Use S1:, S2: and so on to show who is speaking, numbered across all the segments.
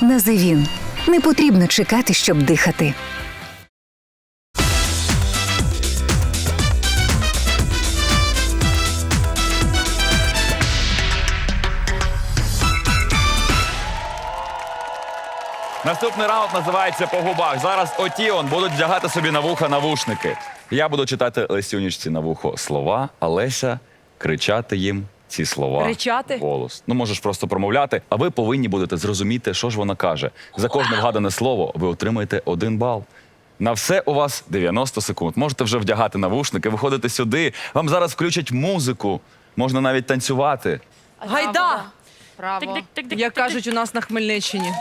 S1: Називін. Не потрібно чекати, щоб дихати.
S2: Наступний раунд називається «По губах». Зараз Отіон будуть вдягати собі на вуха навушники. Я буду читати Лесюнічці на вухо слова, а Леся кричати їм ці слова.
S3: Кричати?
S2: Голос. Ну, можеш просто промовляти, а ви повинні будете зрозуміти, що ж вона каже. За кожне вгадане слово ви отримаєте 1 бал. На все у вас 90 секунд. Можете вже вдягати навушники, виходити сюди. Вам зараз включать музику. Можна навіть танцювати.
S3: Гайда!
S4: Право.
S3: Як кажуть у нас на Хмельниччині.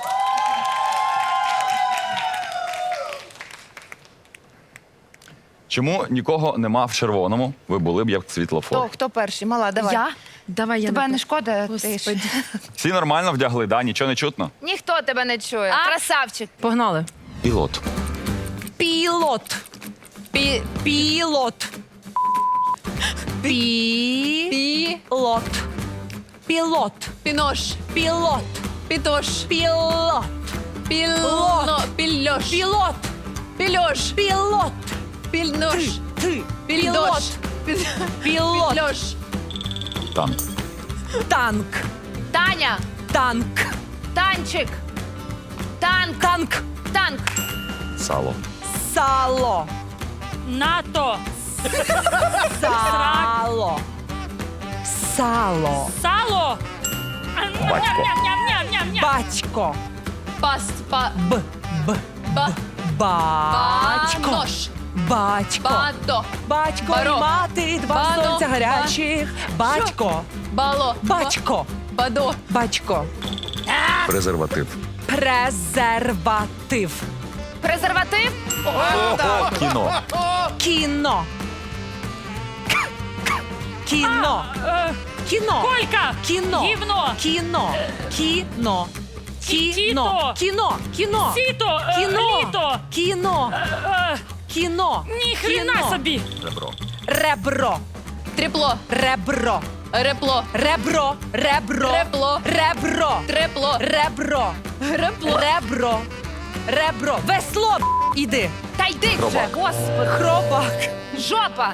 S2: Чому нікого нема в червоному? Ви були б як світлофор.
S4: Хто перший? Мала, давай.
S5: Я?
S4: Давай, тебе не шкода? Ти ж.
S2: Всі нормально вдягли, да? Нічого не чутно?
S4: Ніхто тебе не чує. Красавчик.
S3: Погнали.
S2: Пілот.
S3: Пілот. Пілот. Пілот. Пілот.
S5: Пінош.
S3: Пілот.
S5: Пітош.
S3: Пілот.
S5: Пілно. Пільош.
S3: Пілот.
S5: Пільош.
S3: Пілот.
S5: Пільнош.
S3: Ти.
S5: Пільдош.
S3: Пілот.
S5: Пільош.
S2: Танк.
S3: Танк.
S4: Таня.
S3: Танк.
S4: Танчик. Танк.
S3: Танк.
S4: Танк.
S2: Сало.
S3: Сало.
S6: НАТО.
S3: Сало. Сало.
S6: Сало.
S2: Батько.
S6: Ням-ням-ням-ням-ням.
S3: Батько.
S5: Паст.
S3: Б.
S5: Ба.
S3: Батько.
S5: Банош.
S3: Батько.
S5: Бадо.
S3: Батько
S5: Баро.
S3: і мати, два
S5: Бано.
S3: сонця гарячих. Батько.
S5: Бало.
S3: Батько.
S5: Бадо.
S3: Батько.
S2: Презерватив.
S3: Презерватив.
S4: Презерватив.
S2: Кіно.
S3: Кіно. Кіно. Кіно.
S6: Колька.
S3: Кіно.
S6: Гівно.
S3: Кіно. Кіно. Кіно.
S6: Тіто.
S3: Кіно. Кіно.
S6: Сіто.
S3: Кіно.
S6: Літо.
S3: Кіно. Кіно.
S6: Ні хрена
S3: Кіно.
S6: собі.
S2: Ребро.
S3: Ребро.
S5: Тріпло.
S3: Ребро.
S5: Репло.
S3: Ребро. Ребро.
S5: Репло.
S3: Ребро.
S5: Трепло.
S3: Ребро.
S5: Репло.
S3: Ребро. Ребро. Весло. Іди.
S4: Та йди вже,
S2: Хробак.
S4: господи.
S3: Хробак.
S4: Жопа.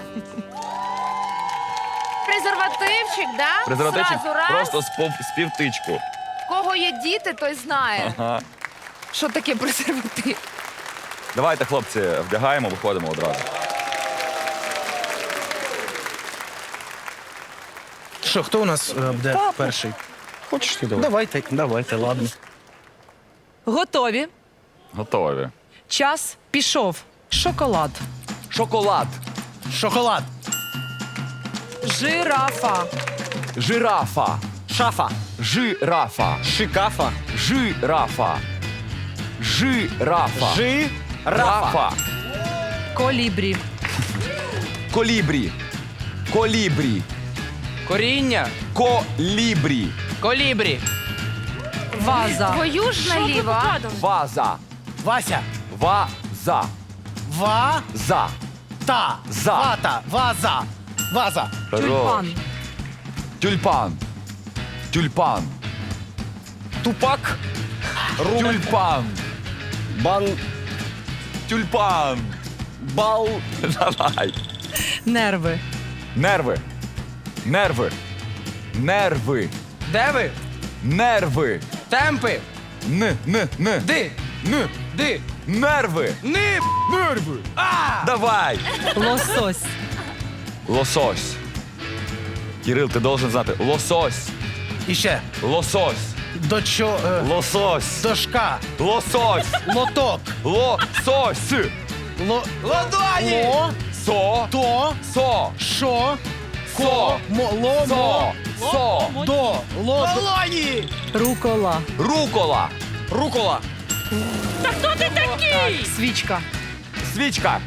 S4: Презервативчик, да?
S2: Презервативчик
S4: Зразу раз.
S2: просто з півтичку.
S4: В кого є діти, той знає.
S2: Ага.
S4: Що таке презерватив?
S2: Давайте, хлопці, вдягаємо, виходимо одразу.
S7: Що, хто у нас буде перший?
S8: Хочеш ти давай?
S7: Давайте, ладно.
S3: Готові.
S2: Готові.
S3: Час пішов. Шоколад.
S2: Шоколад.
S7: Шоколад.
S3: Жирафа.
S2: Жирафа.
S8: Шафа.
S2: Жирафа.
S8: Шикафа.
S2: Жирафа. Жирафа.
S8: Рафа.
S3: Колібрі.
S2: Колібрі. Колібрі.
S8: Коріння.
S2: Колібрі.
S8: Колібрі.
S3: Ваза.
S4: Твою ж наліво. а?
S2: Ваза.
S7: Вася.
S2: Ваза.
S7: Ва.
S2: За.
S7: Та.
S2: За.
S7: Вата. Ваза. Ваза.
S3: Тюльпан.
S2: Тюльпан. Тюльпан.
S8: Тупак.
S2: Тюльпан.
S8: Бан.
S2: Тюльпан.
S8: Бал.
S2: Давай.
S3: Нерви.
S2: Нерви. Нерви. Нерви.
S8: Де ви?
S2: Нерви.
S8: Темпи.
S2: Н.
S8: Ди.
S2: Н.
S8: Ди.
S2: Нерви.
S8: Ни.
S2: Нерви. Давай.
S3: Лосось.
S2: Лосось. Кирил, ти должен знати. Лосось.
S7: І ще.
S2: Лосось.
S7: Лосось. Дошка.
S2: Лосось.
S7: Лоток.
S2: Лосось.
S8: Ладоні.
S7: Ло.
S2: Со.
S7: То.
S2: Со.
S7: Шо.
S2: Со.
S7: Ло.
S2: Со. Со.
S7: До. Ло.
S8: Долоні.
S3: Рукола.
S2: Рукола.
S8: Рукола.
S6: Та хто ти такий?
S3: Свічка.
S2: Свічка.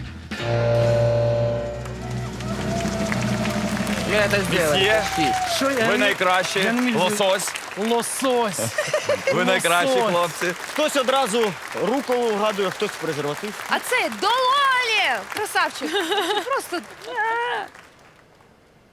S8: Я це зробив.
S2: Є.
S7: Що я?
S2: Ви найкращі.
S7: я не міг
S2: Лосось.
S7: Лосось.
S2: Ви найкращі,
S7: Лосось.
S2: хлопці.
S8: Хтось одразу руку вгадує, хтось презерватив.
S4: А це дололі! Красавчик. Просто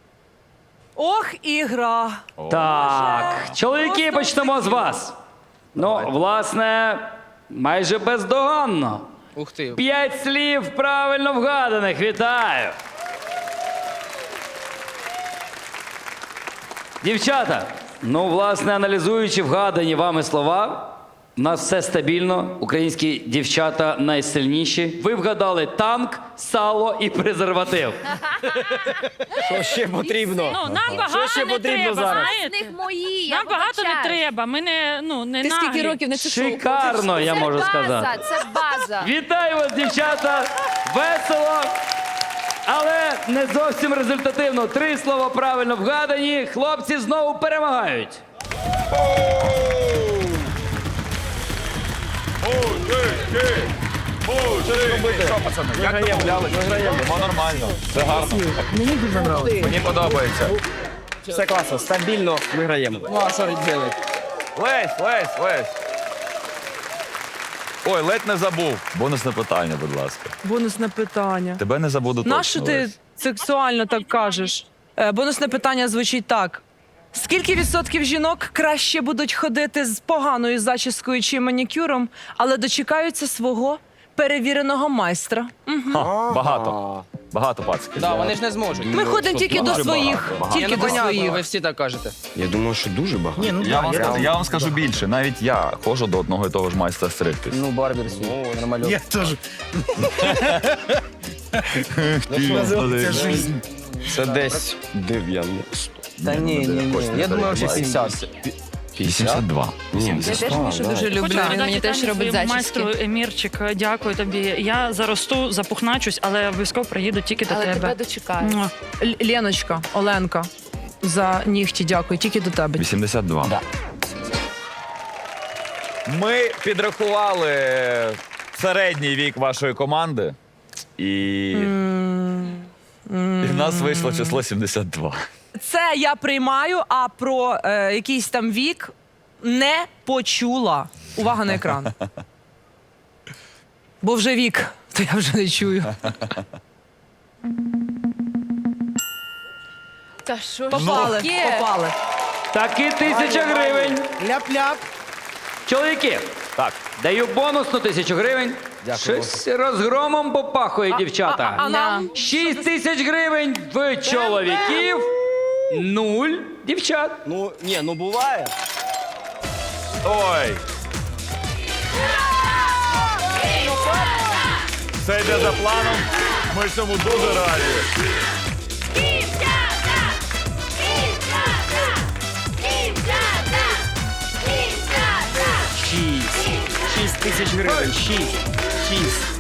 S3: Ох, і гра.
S9: Так, чоловіки, почнемо з вас. Ну, власне, майже бездоганно.
S7: Ух ти.
S9: 5 слів правильно вгаданих. Вітаю! Дівчата, ну, власне, аналізуючи вгадані вами слова, у нас все стабільно. Українські дівчата найсильніші. Ви вгадали танк, сало і презерватив.
S8: Що ще потрібно?
S6: Ну, нам багато
S8: ще
S6: не
S8: потрібно
S6: треба,
S8: зараз?
S4: З
S6: знаєте?
S4: них мої. я
S6: Нам багато не
S4: вибачаюсь.
S6: треба. Ми не, ну, не
S5: Ти
S6: наглі.
S5: скільки років не чешув?
S9: Шикарно, я
S4: Це
S9: можу
S4: база,
S9: сказати.
S4: Це база.
S9: Вітаю вас, дівчата! Весело, але не зовсім результативно. 3 слова правильно вгадані. Хлопці знову перемагають.
S2: Що, пацани, як домовлялись? Йдемо нормально. Все гарно. Мені подобається.
S8: Все класно, стабільно виграємо. Ну, а що робити?
S2: Лесь. Ой, ледь не забув. Бонусне питання, будь ласка.
S3: Бонусне питання.
S2: Тебе не забуду точно.
S3: Нащо ти
S2: Лесь.
S3: сексуально так кажеш? Бонусне питання звучить так. Скільки відсотків жінок краще будуть ходити з поганою зачіскою чи манікюром, але дочекаються свого перевіреного майстра?
S2: Ха, багато. Багато пацків.
S7: Да, вони ж не зможуть.
S3: Ми ходимо тільки до
S2: Дуже
S3: своїх.
S2: багато.
S3: Тільки до своїх.
S7: Ви всі так кажете.
S8: Я думаю, що дуже багато. Ні, ну,
S2: Я вам скажу більше. Навіть я ходжу до одного і того ж майстра стригтись.
S7: Ну, барбер свій, нормально.
S10: Я теж.
S8: Це десь 90.
S7: Та ні. Я думаю, вже 50.
S2: 82.
S5: Я теж Мішу дуже люблю,
S6: Хочу
S5: він мені
S6: надати
S5: теж
S6: Тані
S5: робить
S6: своєму
S5: зачіски.
S6: майстру Емірчик, дякую тобі. Я заросту, запухначусь, але обов'язково приїду тільки до
S5: Але тебе
S6: тебе.
S5: дочекають.
S6: Муа.
S3: Леночка, Оленка, за нігті дякую, тільки до тебе.
S2: 82.
S7: Да.
S2: Ми підрахували середній вік вашої команди. І в нас вийшло число 72.
S3: Це я приймаю, а про якийсь там вік не почула. Увага на екран. Бо вже вік, то я вже не чую.
S5: Та що ж
S3: Попали,
S5: таке?
S3: попали.
S9: Таки 1000 гривень.
S7: Ляп-ляп.
S9: Чоловіки,
S2: Так.
S9: даю бонусну 1000 гривень. Щось розгромом попахує, дівчата.
S3: А нам?
S9: 6000 гривень в чоловіків, 0 дівчат.
S8: Ну, ні, ну буває.
S2: Ой. Все йде за планом. Ми цьому дуже раді.
S4: Дівчата! Дівчата! Дівчата! Дівчата!
S7: 6 тисяч гривень. 6.